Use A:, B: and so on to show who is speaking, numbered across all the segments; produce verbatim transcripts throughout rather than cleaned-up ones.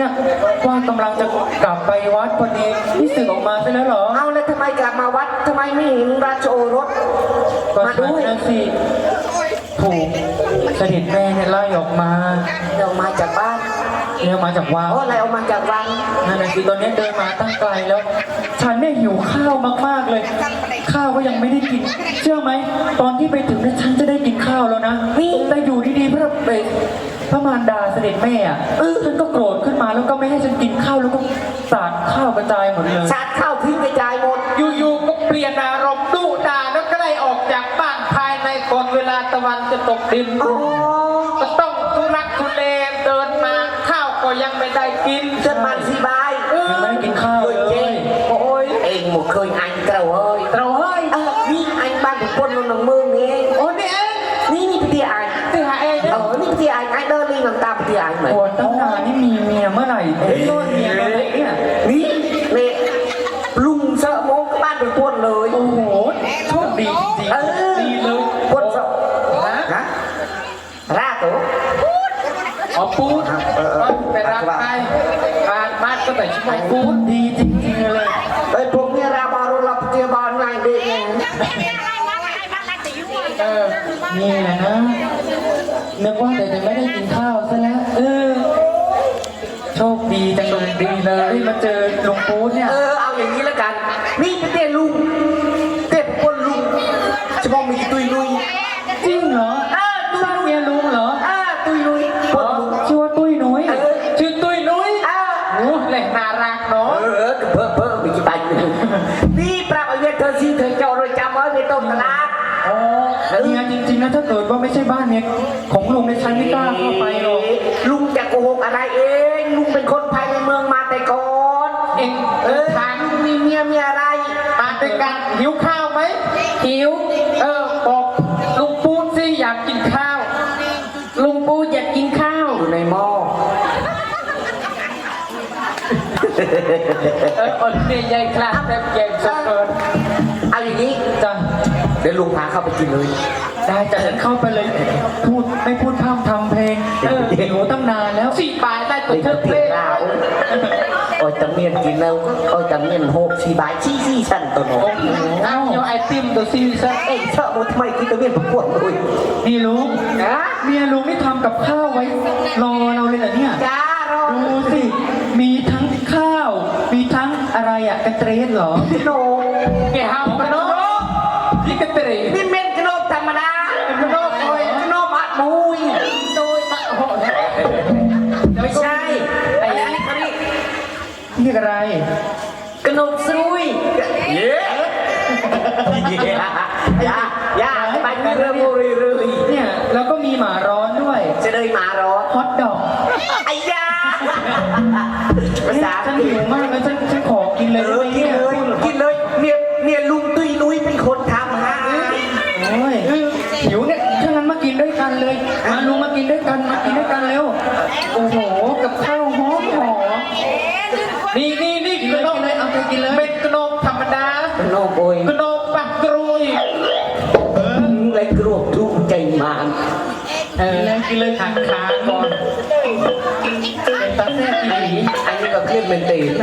A: เนี่ยว่ากำลังจะกลับไปวัดพอดีนี่สึกออกมาใช่แล้วเหรอ
B: เอาแล้วทำไมกลับมาวัดทำไมไม่เห็นราชโอรสมาด้วย
A: นั่นสิถูกเสด็จแม่เนี่ยไล่ออกมา
B: เรามาจากบ้าน
A: เนี่ยมาจากวัง
B: อ๋ออะไรออกมาจากวัง
A: นั่นน่ะสิตอนนี้เดินมาตั้งไกลแล้ว ฉันเนี่ยหิวข้าวมากๆเลยข้าวก็ยังไม่ได้กินเชื่อไหมตอนที่ไปถึงเนี่ยฉันจะได้กินข้าวแล้วนะแต่อยู่ดีๆพระเบศพระมารดาเสด็จแม่อ่ะเออฉันก็โกรธขึ้นมาแล้วก็ไม่ให้ฉันกินข้าวแล้วก็สาดข้าวกระจายหมดเลย
B: สาดข้าวทิ้งกระจายหมด
C: อยู่ๆก็เปลี่ยนอารมณ์ดุด่าแล้วก็ไล่ออกจากบ้านภายในก่อนเวลาตะวันจะตกดินก็ต้องทุรักทุเลเดินมาข้าวก็ยังไม่ได้กิน
B: จนมันสีบาย
A: ยังไม่ได้กินข้าวเลย
B: โอ้ยเองหมดเคยอันเต่าเฮ้ย
C: เต่าเฮ้ย
B: นี่อันบ้านผมปนลงหนังมือเอง
C: โอ้นี่เอง
B: นี่นี่พี่อัน
C: ที่หาเอง
B: เออนี่พี่อันไอเดินลิงหลังตาพี่อันเหมือน
A: โอ้ตั้งนานนี่มีเมียเมื่อไหร่เอ้ยเมียเมื่อไหร่เนี่ย
B: นี่เนี่ยลุงเสอะโมกบ้านเป็นปนเลย
A: โอ้โหโชคดีจริงๆดีเลย
B: ปนเสอะฮะราตัว
C: อ๋อปูดไปรับไปบ้านบ้านก็แต่ช่วยปูด
A: ดีจริงๆเลย
B: ไอ้พวกนี้ราบารุลับเตียบานไงเด็ก
A: เออนี่แหละนะนึกว่าแต่จะไม่ได้กินข้าวซะแล้วเออโชคดีจังเลยดีเลยมาเจอลุงปูดเนี่ย
B: เออเอาอย่างนี้แล้วกันนี่เตี้ยลุงเตี้ยปนลุงจะมองมีตุยลุย
A: จริงเหรอ
B: เออตุย
A: เมียลุงเหรอ
B: เออตุยลุยปนลุง
A: ชื่อว่าตุ้ยนุ้ย
C: ชื่อตุ้ยนุ้ยโอ้เล่นน่ารักเนาะ
B: เออเพิ่มเพิ่มมีกี่ใบนี่ปรับเอาเงินเธอซีเธอเจ้าโดยจำไว้ในต้นตลาด
A: อ๋อเนี่ยจริงๆนะถ้าเกิดว่าไม่ใช่บ้านเนี่ยของลุงในชั้นไม่กล้าเข้าไปหรอก
B: ลุงจะโกหกอะไรเองลุงเป็นคนภายในเมืองมาแต่ก่อน
C: เอง
B: เออถามมีเมียมีอะไร
C: มาด้วยกันหิวข้าวไหมหิวเออบอกลุงปูดสิอยากกินข้าวลุงปูดอยากกินข้าว
B: อยู่ในหม้อ
C: เออคนนี้ใหญ่คลาสแบบใหญ่สุดเกิน
B: เอาอย่างนี้
A: จ้ะ
B: เดี๋ยวลุงพาเข้าไปกินเลย
A: ได้จะเข้าไปเลยพูดไม่พูดพร่ำทำเพลงเออหิวตั้งนานแล้ว
C: สี่บาทได้ตัวเธอเพลง
B: เราโอ้ยตะเมียนกินแล้วโอ้ยตะเมียนหกสี่บาทชี้ชี้ชั้นตัวโน้ต
C: อ้าวไอติมตัวซีซั่น
B: เอ้ยเชอะมันทำไมกินตะเมียนประกวดเลย
A: นี่ลุงนะเมียลุงนี่ทำกับข้าวไว้รอเราเลยเหรอเนี่ย
B: จ้ารอ
A: ดูสิมีทั้งข้าวมีทั้งอะไรอะกระเตรสเหรอ
B: โน
C: แกห้ามกันเนาะนี่กระเตรส
B: นี่เม็ดกระโนบธรรมดากระโนบโอยกระโนบมัดมุย
C: โดยมะโห
B: ไม่ใช่ไอ้นี่เขาเรียก
A: เรียกอะไร
B: กระโนบซุยเย้ย่าย่าไปเรื่อยๆเรื่อย
A: ๆเนี่ยแล้วก็มีหมาร้อนด้วย
B: จะเลยหมาร้อน
A: ฮอตดอก
B: ไอ้ย่าภาษา
A: ฉันหิวมากเลยฉันฉันขอกินเลย
B: กินเลยกินเลยเนี่ยเนี่ยลุงตุ้ยนุ้ยเป็นคนทำฮะ
A: โอ้ยหิวเนี่ยถ้างั้นมากินด้วยกันเลยมาลุงมากินด้วยกันมากินด้วยกันเร็วโอ้โหกับข้าวหอมหอม
C: นี่นี่นี่กระโนบ
A: เลยเอาไปกินเลย
C: เป็นกระโนบธรรมดาก
B: ระโนบโอย
C: กระโนบปักกรุย
B: เออเลยกรุบทุกใจมัน
A: เออกินเลยขาขาก่อนเป็นตาแซ่บอีหลี
B: อันนี้ก็เครียดเป็นตีน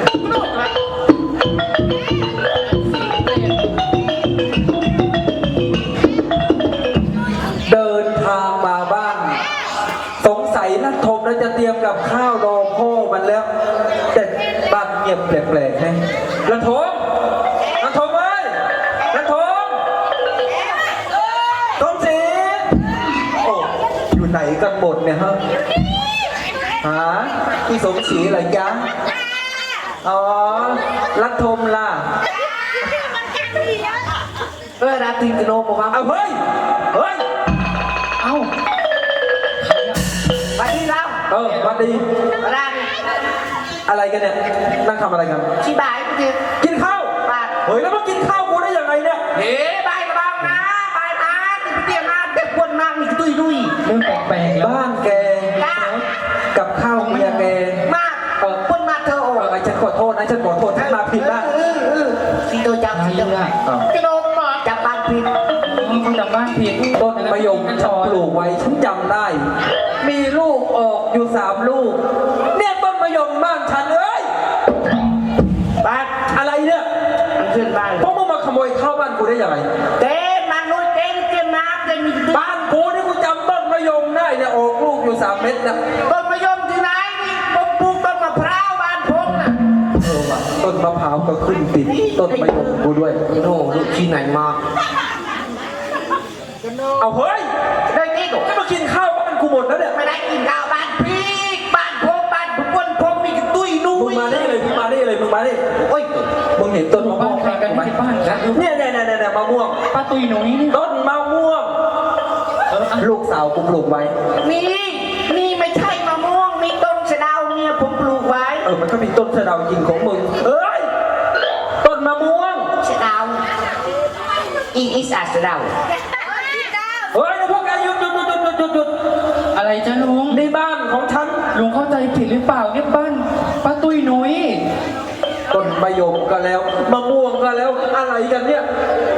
D: เดินทางมาบ้านสงสัยนักทมแล้วจะเตรียมกับข้าวรอพ่อมันแล้วแต่บ้านเงียบแปลกๆให้นักทมนักทมเอ้ยนักทมทมศรีโอ้อยู่ไหนกันหมดเนี่ยฮะหาพี่สมศรีเหรอจ๊ะอ๋อรักทมล่ะ
B: เออราตรีกระโนบมา
D: เอาเฮ้ยเฮ้ย
A: เอ้า
B: วันนี้เรา
D: เออวันดี
B: อะไร
D: อะไรกันเนี่ยนั่งทำอะไรกัน
B: ชี้บ่ายกิน
D: กินข้าว
B: บาท
D: เฮ้ยแล้วมากินข้าวกูได้ยังไงเนี่ย
B: เฮ้บ่ายบ้างนะบ่ายมาติดเตียงมาเด็กคนนั่งมีตุยตุย
A: เรื่องแปลกๆ
D: บ้านแกกับข้าวเมียแก
B: มากเออคนมาเธอโอ้
D: ไอ้ฉันขอโทษนะฉันขอโทษฉันมาผิดบ้าง
B: สีตัวจับสีตัว
C: กระโนบมา
B: จับบ้านผิด
A: เขาจับบ้านผิด
D: ต้นมะยมฉันปลูกไว้ฉันจำได้มีลูกออกอยู่สามลูกเนี่ยต้นมะยมบ้านยังไง
B: เต้มันนุ้ยเต้เต้มาเต้มี
D: บ้านกูนี่กูจำต้นมะยมได้เนี่ยออกลูกอยู่สามเม็ดนะ
B: ต้นมะยมที่ไหนนี่ผมปลูกต้นมะพร้าวบ้านผมน่ะ
D: เออว่ะต้นมะพร้าวก็ขึ้นติดต้นมะยมกูด้วย
B: โน่ลูกที่ไหนมา
D: เอาเฮ้ย
B: ได้ที่กู
D: จะมากินข้าวบ้านกูหมดแล้วเนี่ย
B: ไม่ได้กินข้าวบ้านพี่บ้านผมบ้านผมคนผมมีตุ้ยนุ้
D: มึง
B: ย
D: มาได้เลยมึงมาได้เลยมึงมาได้
B: โอ้ย
D: มึงเห็นต้นมะม่
A: บ้า
D: วน ง
A: ใครกัน
D: ไหม
A: ที่บ้านนะ
D: เนี่ยเนี่ยเนี่ยเนี่ยมะม่วง
A: ป้าตุยหนูนี่นี่
D: ต้นมะม่วง
A: เอออ่ะ
D: ลูกสาวกูปลูกไว้
B: นี่นี่ไม่ใช่มะม่วงมีต้นสะเดาเนี่ยผมปลูกไว้
D: เออมันก็มีต้นสะเดาจริงของมึงเอ้ยต้นมะม่วง
B: สะเดาอีอีสาสะเดา
D: เฮ้ยพวกแกหยุดหยุดหยุดหยุดหยุดหยุดหยุด
A: อะไรจ้าลุง
D: ในบ้านของฉัน
A: ลุงเข้าใจผิดหรือเปล่าเนี่ยบ้านป้าตุยหนุย
D: ต้นมะยมก็แล้วมะม่วงก็แล้วอะไรกันเนี่ย